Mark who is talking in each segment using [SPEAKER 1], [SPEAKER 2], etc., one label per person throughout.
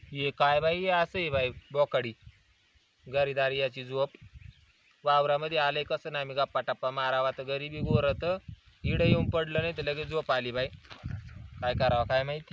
[SPEAKER 1] ये काय बाई असं आहे बाई बोकाडी गरीदारी याची झोप वावरामध्ये आले कसं नाही मी गप्पा टप्पा मारावा तर गरीबी गोरत इडं येऊन पडलं नाही तर लगेच झोप आली बाई काय करावं काय माहिती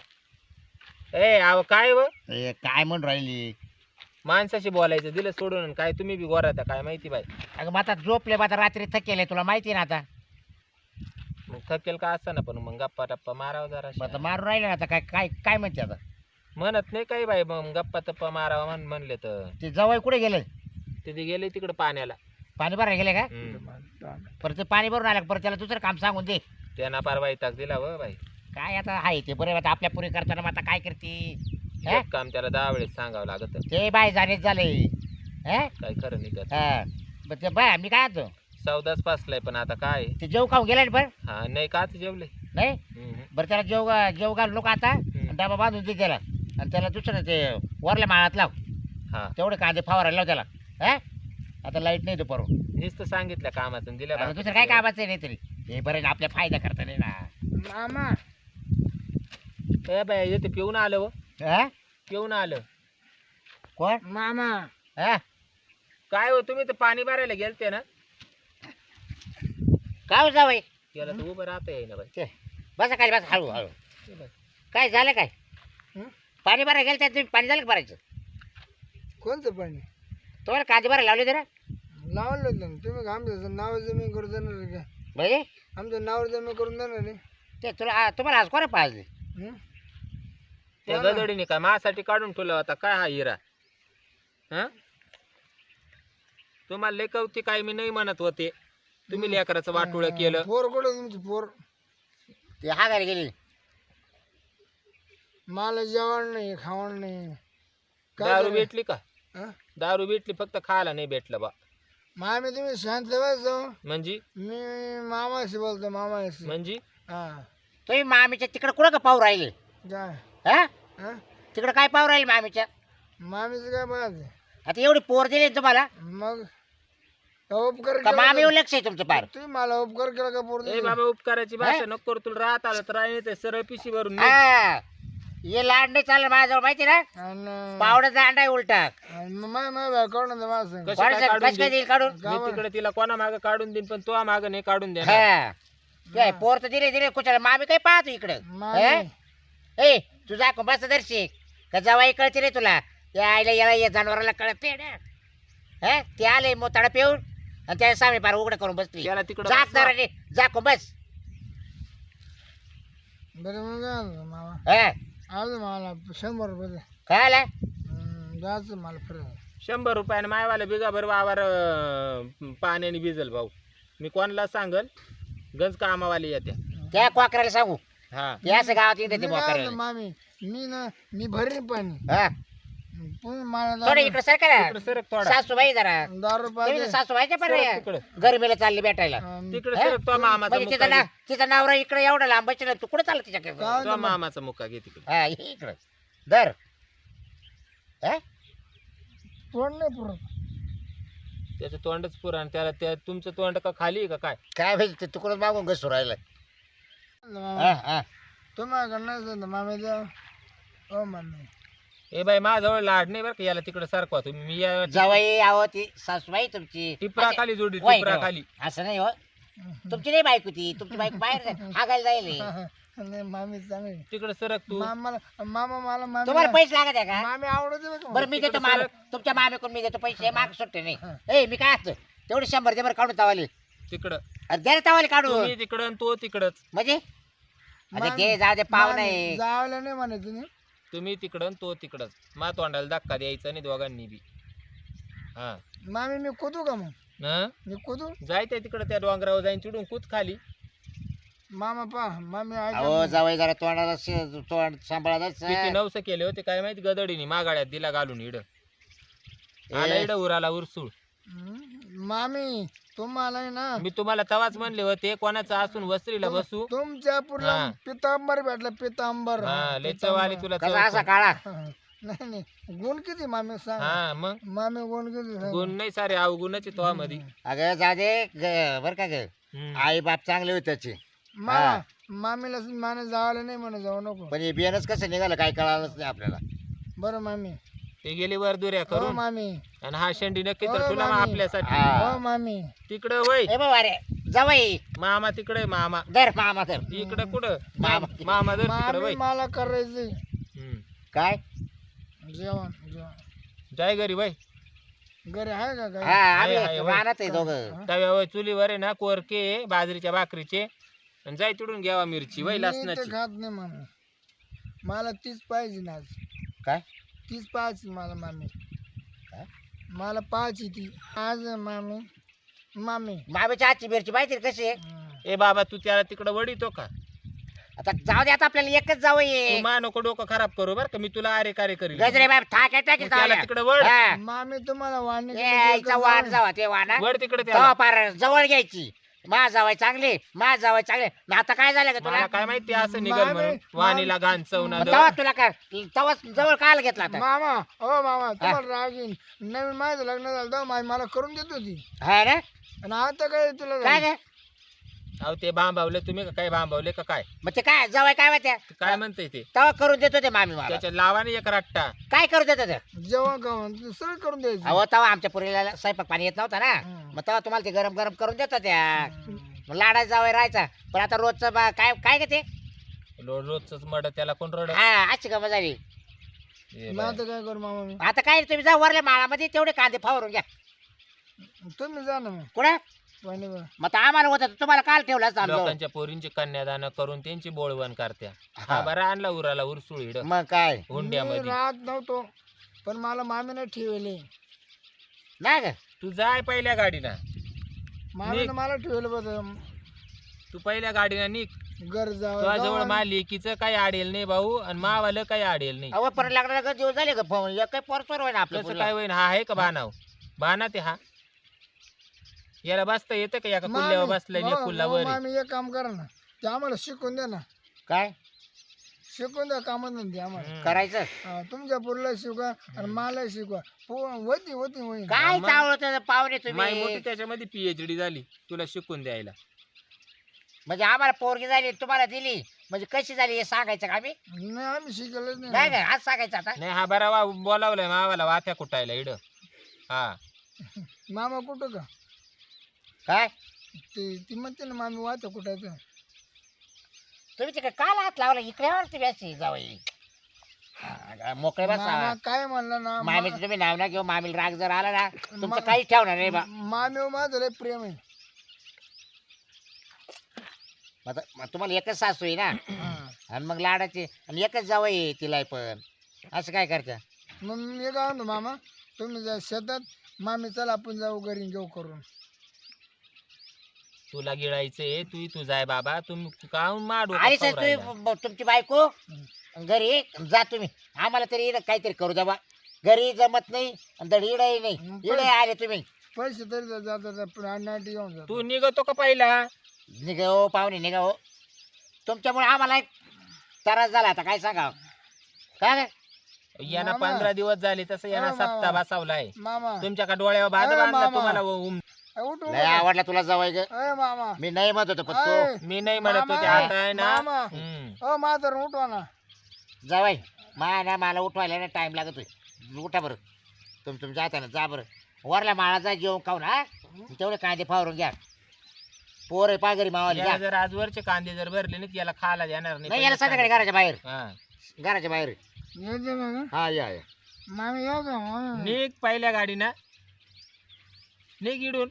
[SPEAKER 1] ए आव काय व
[SPEAKER 2] काय म्हणून राहिली
[SPEAKER 1] माणसाशी बोलायचं दिलं सोडून आणि काय तुम्ही बी गोराता काय माहिती बाई
[SPEAKER 2] अगं मग आता झोपले मग आता रात्री थकेल तुला माहिती ना आता
[SPEAKER 1] मग थकेल का असं ना पण मग गप्पा टप्पा मारावा जरा
[SPEAKER 2] मग आता मारून राहिले ना आता काय काय काय म्हणते आता
[SPEAKER 1] म्हणत नाही काही बाई मग गप्पा टप्पा मारावा म्हणले तर
[SPEAKER 2] ते जवळ कुठे गेले
[SPEAKER 1] तिथे गेले तिकडे पाण्याला
[SPEAKER 2] पाणी भरायला गेले का परत ते पाणी भरून आलं परत त्याला दुसरं काम सांगून दे
[SPEAKER 1] त्यांना पार वैताग दिला व बाई
[SPEAKER 2] काय आता आहे ते बरं आता आपल्या पुरी करताना मग आता काय करते
[SPEAKER 1] एक काम त्याला 10 वेळेस सांगावं लागत
[SPEAKER 2] ते बाय जाणेच झाले
[SPEAKER 1] काय खरं नाही त्याचं
[SPEAKER 2] ते बाय मी काय आणतो
[SPEAKER 1] सौदाच पासलाय पण आता काय
[SPEAKER 2] ते जेव खाऊन गेला ना बरं
[SPEAKER 1] हा नाही काच जेवले
[SPEAKER 2] नाही बरं त्याला जेव घालू नको आता डबा बांधून दे त्याला आणि त्याला दुसरं ते वरल्या माळात लाव
[SPEAKER 1] हा
[SPEAKER 2] तेवढे कांदे फवारायला लाव त्याला आता लाईट नाही दुपारून
[SPEAKER 1] नुसतं सांगितलं कामाचं दिलं
[SPEAKER 2] दुसरं काय कामाचं नाही तरी हे बरं ना आपल्या फायदा करता नाही ना
[SPEAKER 1] मामा ए बाई येते पिऊन आलं व पिऊन आलं
[SPEAKER 2] कोण
[SPEAKER 1] मामा
[SPEAKER 2] हा
[SPEAKER 1] काय हो तुम्ही तर पाणी भरायला गेलते ना
[SPEAKER 2] काय हो जावई
[SPEAKER 1] त्याला तर उभं राहता येईना बाई
[SPEAKER 2] ते बसा खाली बस हळू हळू काय झालं काय पाणी भरायला गेलं त्या तुम्ही पाणी झालं का भरायचं
[SPEAKER 3] कोणतं पाणी
[SPEAKER 2] तुम्हाला कांदे भरायला लावले जरा
[SPEAKER 3] लावलं होतं ना तुम्ही आमचं नाव जमीन करून देणार आहे का
[SPEAKER 2] म्हणजे
[SPEAKER 3] आमचं नाव जमीन करून देणार आहे
[SPEAKER 2] ते तुम्हाला आज कोणा पाजले
[SPEAKER 3] हं?
[SPEAKER 1] त्या गदडीने काय माझ्यासाठी काढून ठेवला होता काय हा हिरा हा तुम्हाला लेखवती काय मी नाही म्हणत होते तुम्ही लेकराचं वाटोळं केलं
[SPEAKER 3] पोर कुठं तुमची पोर
[SPEAKER 2] ते हागायला गेली
[SPEAKER 3] मला जेवण नाही खावण नाही काय
[SPEAKER 1] दारू
[SPEAKER 3] झालं?
[SPEAKER 1] भेटली का
[SPEAKER 3] हं?
[SPEAKER 1] दारू भेटली फक्त खायला नाही भेटलं बा
[SPEAKER 3] मामी तुम्ही शांत बस
[SPEAKER 1] म्हणजे
[SPEAKER 3] मी मामाशी बोलतो मामाशी
[SPEAKER 1] म्हणजे
[SPEAKER 3] हा
[SPEAKER 2] तुम्ही मामीच्या तिकडे कुठं का पाहू राहिले
[SPEAKER 3] काय
[SPEAKER 2] हा
[SPEAKER 3] हं?
[SPEAKER 2] तिकडे काय पाहू राहिले मामीच्या
[SPEAKER 3] मामीचं काय बघ
[SPEAKER 2] आता एवढी पोर दिली ना तुम्हाला
[SPEAKER 3] मग उपकार
[SPEAKER 2] का
[SPEAKER 3] केला
[SPEAKER 2] मामी लक्ष आहे तुमचं पार
[SPEAKER 3] तुम्ही मला उपकार केला का पोर
[SPEAKER 1] ए बाबा उपकाराची भाषा नको करू तुला राहत आलं तर राहिले ते सरळ पिशी भरून निघ.
[SPEAKER 2] हा हे लाड नाही चाललं माझ्याजवळ माहिती ना पावडं दांडा आहे उलटा
[SPEAKER 3] काढून मला सांग
[SPEAKER 1] कशी काय काढून
[SPEAKER 2] कशी काय
[SPEAKER 1] देईन?
[SPEAKER 2] देईल काढून
[SPEAKER 1] मी तिकडे तिला कोणा माग काढून देईन पण तो माग नाही काढून दे
[SPEAKER 2] हा काय पोर तर दिले दिले कुठला मामी काय पाहतो इकडं
[SPEAKER 3] मामी
[SPEAKER 2] ए तुझा बस दर्शिक का जवाई कळते रे तुला त्या आईला याला या जनावराला कळते ना हा ते आले मोताडा पिऊन आणि त्या सामी पार उघडं करून बसली
[SPEAKER 1] त्याला तिकडं
[SPEAKER 2] जात रे जाको बस
[SPEAKER 3] बरं मग काय झालं मामा
[SPEAKER 2] हा
[SPEAKER 3] आज मला 100 रुपये दे.
[SPEAKER 2] काय आला
[SPEAKER 3] जायचं मला फिरायला
[SPEAKER 1] 100 रुपयाने मायवाला बिगाभर वावर पाण्याने भिजल भाऊ मी कोणाला सांगल गंज कामावाली येत्या
[SPEAKER 2] त्या क्वाकराला सांगू
[SPEAKER 1] हा
[SPEAKER 2] ते असं गावात येते ते
[SPEAKER 3] मी काय
[SPEAKER 2] क्वाकराला
[SPEAKER 3] झालं, मामी मी भरीन पाणी
[SPEAKER 2] हा
[SPEAKER 3] तुम्ही मला
[SPEAKER 2] थोडं
[SPEAKER 3] दारू-
[SPEAKER 2] इकडे सरका
[SPEAKER 1] तिकडे सरक थोडा
[SPEAKER 2] सासूबाई जरा
[SPEAKER 3] दारू
[SPEAKER 2] तुम्ही
[SPEAKER 3] पाहिजे
[SPEAKER 2] तर सासूबाईच्या पण
[SPEAKER 1] सरक तिकडे
[SPEAKER 2] गरमीला चालली भेटायला
[SPEAKER 1] तिकडे
[SPEAKER 2] हा?
[SPEAKER 1] सरक तो मामाचा
[SPEAKER 2] म्हणजे
[SPEAKER 1] मुक्का घे.
[SPEAKER 2] तिचा नवरा इकडे एवढा लांबायचं ना तू कुठे चालला तिच्याकडे
[SPEAKER 3] काय
[SPEAKER 1] तो मामाचा मुक्का घे तिकडे
[SPEAKER 2] हा इकडं दर हा?
[SPEAKER 3] तोंड नाही पुरत
[SPEAKER 1] त्याचं तोंडच पुराण त्याला त्या तुमचं तोंड का खाली आहे का काय
[SPEAKER 2] काय पाहिजे ते तुकडं मागून घसू राहिलं
[SPEAKER 3] मामा, तुम्हाला नाही मामी द्या हो मामी
[SPEAKER 1] ए बाई माझ्याजवळ लाड नाही बरं का याला तिकडे सारखा तुम्ही मी या
[SPEAKER 2] जवाई आहो ती सासूबाई तुमची
[SPEAKER 1] टिपरा खाली जोडी
[SPEAKER 2] वय,
[SPEAKER 1] टिपरा
[SPEAKER 2] वय.
[SPEAKER 1] खाली
[SPEAKER 2] असं नाही हो तुमची नाही बायको ती तुमची बायको बाहेर हागायला जाईल
[SPEAKER 3] नाही मामी चांगली
[SPEAKER 1] तिकडे सरक तू
[SPEAKER 3] मामा मला मामी
[SPEAKER 2] तुम्हाला पैसे लागत आहे का
[SPEAKER 3] मामी आवडते बरं का
[SPEAKER 2] बरं मी देतो
[SPEAKER 1] तिकडं
[SPEAKER 2] माल
[SPEAKER 1] सरक.
[SPEAKER 2] तुमच्या मामेकडून मी देतो पैसे माग सुट्टे नाही ए मी काय असतो तेवढे 100 दे बरं काढून तावाले
[SPEAKER 1] तिकडं
[SPEAKER 2] अरे दे रे तावाले काढून
[SPEAKER 1] तुम्ही तिकडं आणि तो तिकडच
[SPEAKER 2] म्हणजे अरे
[SPEAKER 3] मामी-
[SPEAKER 2] दे जाऊ दे पाव
[SPEAKER 3] मामी,
[SPEAKER 2] नाही
[SPEAKER 3] जावलं नाही म्हणे तुम्ही
[SPEAKER 1] तुम्ही तिकडं आणि तो तिकडच मा तोंडाला धक्का द्यायचा नाही दोघांनी बी हा
[SPEAKER 3] मामी मी कुदू का मग
[SPEAKER 1] हं?
[SPEAKER 3] मी कुदू
[SPEAKER 1] जायचंय तिकडं त्या डोंगरावर जाईन चिडून कूद खाली
[SPEAKER 3] मामा पा मामी
[SPEAKER 2] अहो जावई जरा तोंडाला तोंड सांभाळा
[SPEAKER 1] किती नवस केले होते काय माहिती गदडीने मागाड्यात दिला घालून इड आला इड उराला उरसूळ
[SPEAKER 3] मामी तुम्हाला आहे ना
[SPEAKER 1] मी तुम्हाला तवाच म्हणले होते कोणाचं असून वस्त्रीला बसू
[SPEAKER 3] तुमच्या पूर्ण
[SPEAKER 1] हा.
[SPEAKER 3] पितांबर भेटला पितांबर
[SPEAKER 1] हा लय चव आली तुला
[SPEAKER 2] कसा
[SPEAKER 1] चव
[SPEAKER 2] असा
[SPEAKER 1] पण.
[SPEAKER 2] काळा
[SPEAKER 3] नाही नाही गुण किती मामी सांग
[SPEAKER 1] हा मग
[SPEAKER 3] मामी गुण किती सांग
[SPEAKER 1] गुण नाही सारे अवगुणाचे तो मध्ये
[SPEAKER 2] अगं जा दे बर का ग आई बाप चांगले होते त्याचे
[SPEAKER 3] मामा मामीला माने जावलं नाही म्हणे जाऊ नको
[SPEAKER 2] पण हे बियाणंच कसं निघालं काय कळालंच नाही आपल्याला
[SPEAKER 3] बरं मामी.
[SPEAKER 1] ते गेली वर दुऱ्या
[SPEAKER 3] हो
[SPEAKER 1] करून
[SPEAKER 3] मामी.
[SPEAKER 1] आणि हा शेंडी नक्की तर
[SPEAKER 3] हो,
[SPEAKER 1] तुला
[SPEAKER 3] मामी.
[SPEAKER 1] आपल्यासाठी
[SPEAKER 2] हा.
[SPEAKER 3] हो मामी.
[SPEAKER 1] तिकडं वय
[SPEAKER 2] ए बाबा रे जावई
[SPEAKER 1] मामा तिकडे मामा
[SPEAKER 2] धर मामा धर.
[SPEAKER 1] इकडं कुठं
[SPEAKER 2] मामा.
[SPEAKER 1] मामा जर तिकडं
[SPEAKER 3] मामी
[SPEAKER 1] वय
[SPEAKER 3] मला करायचंय
[SPEAKER 2] काय
[SPEAKER 3] जेवण. जेवण
[SPEAKER 1] जाय घरी वय
[SPEAKER 3] घरी आहे का
[SPEAKER 2] हा
[SPEAKER 3] काय?
[SPEAKER 2] आम्ही
[SPEAKER 1] आहे, होय.
[SPEAKER 2] राहणार आहे दोघं.
[SPEAKER 3] हा?
[SPEAKER 1] तव्यावर चुलीवर आहे ना कोरके बाजरीच्या भाकरीचे आणि जाय तिडून घ्यावा मिरची वय
[SPEAKER 3] मी तर
[SPEAKER 1] लसणाची
[SPEAKER 3] खात नाही मामी. मला तीच पाहिजे ना आज.
[SPEAKER 2] काय
[SPEAKER 3] तीच पाहिजे मला मामी.
[SPEAKER 2] काय?
[SPEAKER 3] मला पाहिजे ती आज मामी. मामी.
[SPEAKER 2] मामीच्या हातची मिरची माहिती आहे कशी आहे?
[SPEAKER 3] हं.
[SPEAKER 1] ए बाबा तू त्याला तिकडं वडितो का
[SPEAKER 2] आता जाऊ दे आता आपल्याला एकच जावई
[SPEAKER 1] तू
[SPEAKER 2] आहे.
[SPEAKER 1] मा नको डोकं खराब करू बर का मी तुला अरे कार्य करील
[SPEAKER 2] गजरे बाब ठाक टाकी
[SPEAKER 1] त्याला तिकडं वड
[SPEAKER 3] मामी तुम्हाला वाढणे
[SPEAKER 2] यायचा वाण जावा ते वाणा
[SPEAKER 1] वड तिकडे
[SPEAKER 2] तेव्हा
[SPEAKER 1] त्याला
[SPEAKER 2] पार जवळ घ्यायची. मा जावाय चांगले मा जावाय चांगले न आता काय झालं का तुला
[SPEAKER 1] मला काय माहिती असं निघल
[SPEAKER 3] मामी-
[SPEAKER 1] म्हणून वाणीला घाण चवना
[SPEAKER 2] मग तेव्हा तुला काय तेव्हा जवळ काल घेतला आता
[SPEAKER 3] मामा. हो मामा तुम्हाला राग येईन. नवीन माझं लग्न झालं तेव्हा मामी मला करून देत होती.
[SPEAKER 2] है ना
[SPEAKER 3] आणि आता काय तुला
[SPEAKER 2] काय काय
[SPEAKER 1] अहो ते भांबावले तुम्ही का काय भांबावले का काय
[SPEAKER 2] मग ते काय जवळ काय माहिती
[SPEAKER 1] ते काय म्हणते ते
[SPEAKER 2] तेव्हा करून देतो ते मामी मला
[SPEAKER 1] त्याच्यात लावाने एक रट्टा
[SPEAKER 2] काय करू देतो ते
[SPEAKER 3] जेवण खावण सगळं करून द्यायचं.
[SPEAKER 2] अहो तेव्हा आमच्या पुरीला स्वयंपाक पाणी येत नव्हता ना
[SPEAKER 3] हं.
[SPEAKER 2] मग तेव्हा तुम्हाला ते गरम गरम करून देतो त्या मग लाडा जावं राहायचा पण आता रोजचं काय काय का ते
[SPEAKER 1] रोजच मड त्याला कोण रड
[SPEAKER 2] हा अशी गमत झाली.
[SPEAKER 3] मग आता काय करू मामा मी.
[SPEAKER 2] आता काय तुम्ही जा वरल्या माळामध्ये तेवढे कांदे फावरून घ्या
[SPEAKER 3] तुम्ही जा ना मग.
[SPEAKER 2] कुठं
[SPEAKER 3] पाणी बघा.
[SPEAKER 2] मग आता आम्हाला होतं तुम्हाला काल ठेवलं असतं आमच्याजवळ.
[SPEAKER 1] लोकांच्या पोरींची कन्यादान करून त्यांची बोळवण करत्या
[SPEAKER 2] हा.
[SPEAKER 1] हा बरा आणला उराला उरसुळीड
[SPEAKER 2] मग काय
[SPEAKER 3] मी
[SPEAKER 1] हुंड्यामध्ये
[SPEAKER 3] राहत नव्हतो पण मला मामीने ठेवले.
[SPEAKER 2] नाही का
[SPEAKER 1] तू जाय पहिल्या गाडीना
[SPEAKER 3] मामीने मला ठेवलं बघ.
[SPEAKER 1] तू पहिल्या गाडीना निघ
[SPEAKER 3] घर
[SPEAKER 1] तुझ्या
[SPEAKER 3] जावं
[SPEAKER 1] जवळ मा लेकीचं काही आडेल नाही भाऊ आणि मावालं काही आडेल नाही
[SPEAKER 2] अहो परत लागणार का दिवस झाले का फोन एक काही परस्पर होय ना आपलं
[SPEAKER 1] कसं काय होईन हा आहे का बाणाव बाणा ते हा याला बसता येतं का एका कुल्ल्यावर बसलाय आणि एक कुल्ला वर आहे.
[SPEAKER 3] मामी एक काम करा ना ते आम्हाला शिकून द्या ना.
[SPEAKER 2] काय
[SPEAKER 3] शिकून द्या कामात नाही ते आम्हाला.
[SPEAKER 1] हम्म.
[SPEAKER 2] करायचं
[SPEAKER 3] हा, तुमच्या पोरीला शिकवा आणि मला शिकवा. होती होती होईल.
[SPEAKER 2] काय
[SPEAKER 1] मग?
[SPEAKER 2] चावलं पाहुणे
[SPEAKER 1] माई मोठी
[SPEAKER 2] तुम्ही
[SPEAKER 1] त्याच्यामध्ये पीएचडी झाली तुला शिकून द्यायला
[SPEAKER 2] म्हणजे आम्हाला पोरगी झाली तुम्हाला दिली म्हणजे कशी झाली हे सांगायचं का आम्ही
[SPEAKER 3] नाही आम्ही शिकलच
[SPEAKER 2] नाही
[SPEAKER 3] नाही.
[SPEAKER 2] काय आज सांगायचं आता
[SPEAKER 1] नाही हा बरा वा बोलावलाय मावाला वात्या कुटायला इड हा
[SPEAKER 3] मामा कुठं का
[SPEAKER 2] काय
[SPEAKER 3] ती म्हणते ना मामी वाहतं कुठायचं.
[SPEAKER 2] तुम्ही तिकडे काल हात लावला इकडे तुम्ही अशी जावई मोकळे
[SPEAKER 3] मामा
[SPEAKER 2] बसा
[SPEAKER 3] काय म्हणलं ना
[SPEAKER 2] मामी तुम्ही नाव ना घेऊ मामीला राग जर आला ना तुमचं
[SPEAKER 3] मा-
[SPEAKER 2] काहीच ठेवणार नाही बा
[SPEAKER 3] मामी माझं लय प्रेम आहे.
[SPEAKER 2] मग तुम्हाला एकच सासू आहे ना
[SPEAKER 3] हा.
[SPEAKER 2] आणि मग लाडाची आणि एकच जावई आहे तिला पण असं काय करता
[SPEAKER 3] मग मी काय म्हणतो मामा तुम्ही जा शेतात मामी चला आपण जाऊ घरी घेऊ करून.
[SPEAKER 1] तुला गिळायचंय तू जाय बाबा तुम्ही काहून माडू
[SPEAKER 2] आणि सर तुम्ही तुमची बायको घरी जा तुम्ही आम्हाला तरी इकडं काहीतरी करू द्या बा घरी जमत नाही आणि दड इडही नाही इडे आले तुम्ही
[SPEAKER 3] पैसे तरी जातात नाटी घेऊन जातो.
[SPEAKER 1] तू निघतो का पहिला
[SPEAKER 2] निघा हो पाहुणे निघा हो तुमच्यामुळे आम्हाला एक त्रास झाला आता काय सांगा काय
[SPEAKER 1] यांना
[SPEAKER 3] मामा.
[SPEAKER 1] 15 दिवस झाले तसं यांना
[SPEAKER 3] अरे मामा.
[SPEAKER 1] सप्ताह बसावलाय
[SPEAKER 3] मामा
[SPEAKER 1] तुमच्या का डोळ्यावर बाद
[SPEAKER 3] अरे
[SPEAKER 1] बांधला
[SPEAKER 3] मामा.
[SPEAKER 1] तुम्हाला
[SPEAKER 3] उठ उठ.
[SPEAKER 2] लय आवडला तुला जवळ ग
[SPEAKER 3] अय मामा
[SPEAKER 2] मी नाही म्हणत होतो पण
[SPEAKER 3] अय,
[SPEAKER 2] तो
[SPEAKER 1] मी नाही म्हणत होते
[SPEAKER 3] मामा.
[SPEAKER 1] आता आहे ना
[SPEAKER 3] मामा.
[SPEAKER 1] हम्म.
[SPEAKER 3] मातर उठवा ना.
[SPEAKER 2] जावाई ना मला उठवायला ना टाइम लागतोय उठा बरं तुमच्या हाताने जा बरं वरला माळाचा जेवण खाऊन हा तेवढे कांदे फावरून घ्या पोर पागरी मावाली
[SPEAKER 1] याला
[SPEAKER 2] घ्या
[SPEAKER 1] जर आजवरचे कांदे जर भरले नाही याला खायला देणार
[SPEAKER 2] नाही याला संध्याकाळी घराच्या बाहेर
[SPEAKER 1] हा.
[SPEAKER 2] घराच्या बाहेर
[SPEAKER 3] येते ना का?
[SPEAKER 2] हा या
[SPEAKER 3] मामी येऊ का मामी?
[SPEAKER 1] निघ पहिल्या गाडीना निघ इडून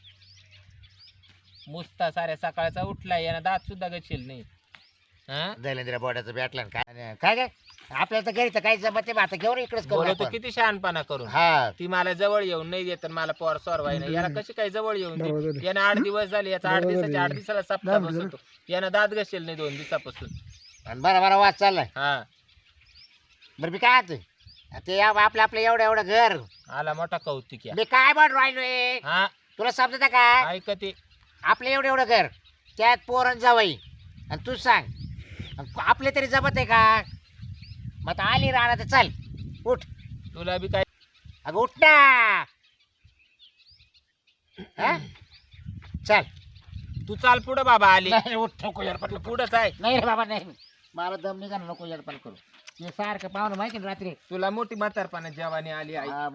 [SPEAKER 1] मुस्ता साऱ्या सकाळचा उठलाय यानं दात सुद्धा गचेल नाही हा
[SPEAKER 2] दैलेंद्र बोर्डाचं भेटलं ना काय काय आपल्याला तर घरी तर काही जमत नाही आता घेऊन इकडेच करू
[SPEAKER 1] बोलतो
[SPEAKER 2] आपण.
[SPEAKER 1] किती शहाणपणा करून
[SPEAKER 2] हा
[SPEAKER 1] ती मला जवळ येऊन नाही देत आणि मला पोर सोरवाय नाही याला कशी काय जवळ येऊन
[SPEAKER 3] बरोबर
[SPEAKER 1] दे यानं 8 दिवस झाले याचा 8 दिवसाच्या 8 दिवसाला सप्ताह बसतो यानं दात घसेल नाही 2 दिवसापासून
[SPEAKER 2] आणि बरा वाद चाललाय
[SPEAKER 1] हा
[SPEAKER 2] बरं मी काय आता ते आपलं एवढं घर
[SPEAKER 1] आला मोठा कौतिक या
[SPEAKER 2] मी काय बन राहिलोय
[SPEAKER 1] हा
[SPEAKER 2] तुला समजत का
[SPEAKER 1] ऐक ते
[SPEAKER 2] आपलं एवढं घर त्यात पोरण जावई आणि तू सांग आणि आपले तरी जमत आहे का मग आता आली राहणार तर चल उठ
[SPEAKER 1] तुला बी काय
[SPEAKER 2] अगं उठ ना हा? चल
[SPEAKER 1] तू चाल पुढं बाबा आली
[SPEAKER 2] नाही उठ नको यार
[SPEAKER 1] तू पुढंच आहे
[SPEAKER 2] नाही रे बाबा नाही मला दम निघा नको येडपाल करू. हे सारखं पाहुणं माहिती ना रात्री
[SPEAKER 1] तुला मोठी म्हातारपणा जेवानी आली आई
[SPEAKER 2] हा,